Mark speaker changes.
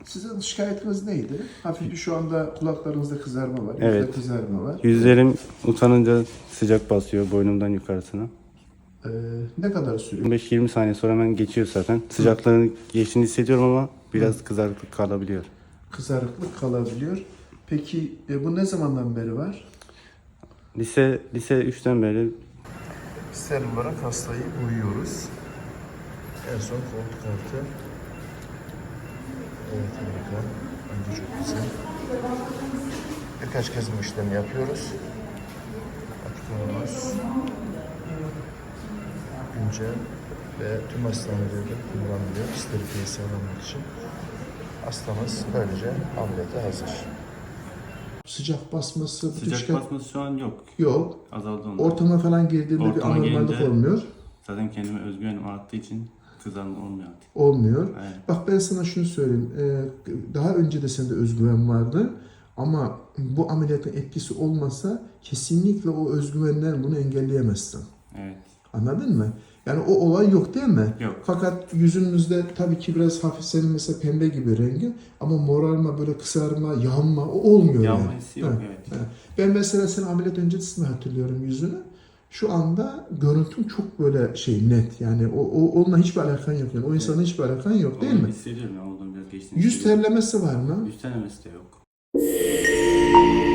Speaker 1: Sizin şikayetiniz neydi? Hafif bir şu anda kulaklarınızda kızarma var,
Speaker 2: Evet.
Speaker 1: yüzde kızarma var.
Speaker 2: Yüzlerim utanınca sıcak basıyor boynumdan yukarısına.
Speaker 1: Ne kadar sürüyor?
Speaker 2: 15-20 saniye sonra hemen geçiyor zaten. Sıcaklığın geçtiğini hissediyorum ama biraz kızarıklık kalabiliyor.
Speaker 1: Kızarıklık kalabiliyor. Peki bu ne zamandan beri var?
Speaker 2: Lise 3'ten beri
Speaker 1: Serum olarak hastayı uyuyoruz. En son koltuk altı. Evet, harika. Bence çok güzel. Birkaç kez bu işlemi yapıyoruz. Aktarımız güncel ve tüm hastanelerde kullanılıyor. Steriliği sağlamak için. Hastamız böylece ameliyata hazır. Sıcak basması, bütün
Speaker 2: sıcak
Speaker 1: şikayet
Speaker 2: basması şu an yok.
Speaker 1: yok.
Speaker 2: Azaldı onlar.
Speaker 1: Ortama falan girdiğinde bir
Speaker 2: Ortama
Speaker 1: anormallik
Speaker 2: gelince-
Speaker 1: olmuyor.
Speaker 2: Zaten kendime özgüvenim arttığı için kızarma olmuyor artık.
Speaker 1: Olmuyor.
Speaker 2: Evet.
Speaker 1: Bak ben sana şunu söyleyeyim. Daha önce de sende özgüven vardı. Ama bu ameliyatın etkisi olmasa kesinlikle o özgüvenden bunu engelleyemezsin.
Speaker 2: Evet.
Speaker 1: Anladın mı? Yani o olay yok değil mi?
Speaker 2: Yok.
Speaker 1: Fakat yüzünüzde tabii ki biraz hafif senin mesela pembe gibi rengi ama morarma, böyle kısarma, yanma o olmuyor
Speaker 2: Yanma
Speaker 1: yani.
Speaker 2: hissi yok,
Speaker 1: Ha,
Speaker 2: evet.
Speaker 1: ha. Ben mesela senin ameliyat öncesinde hatırlıyorum yüzünü. Şu anda görüntüm çok böyle net. Yani onunla hiçbir alakan yok. Yani o insanla hiçbir alakan yok değil
Speaker 2: Onu
Speaker 1: mi?
Speaker 2: hissediyorum ya, olduğum biraz geçtiğini
Speaker 1: Yüz
Speaker 2: hissediyorum.
Speaker 1: terlemesi var mı?
Speaker 2: Yüz terlemesi de yok.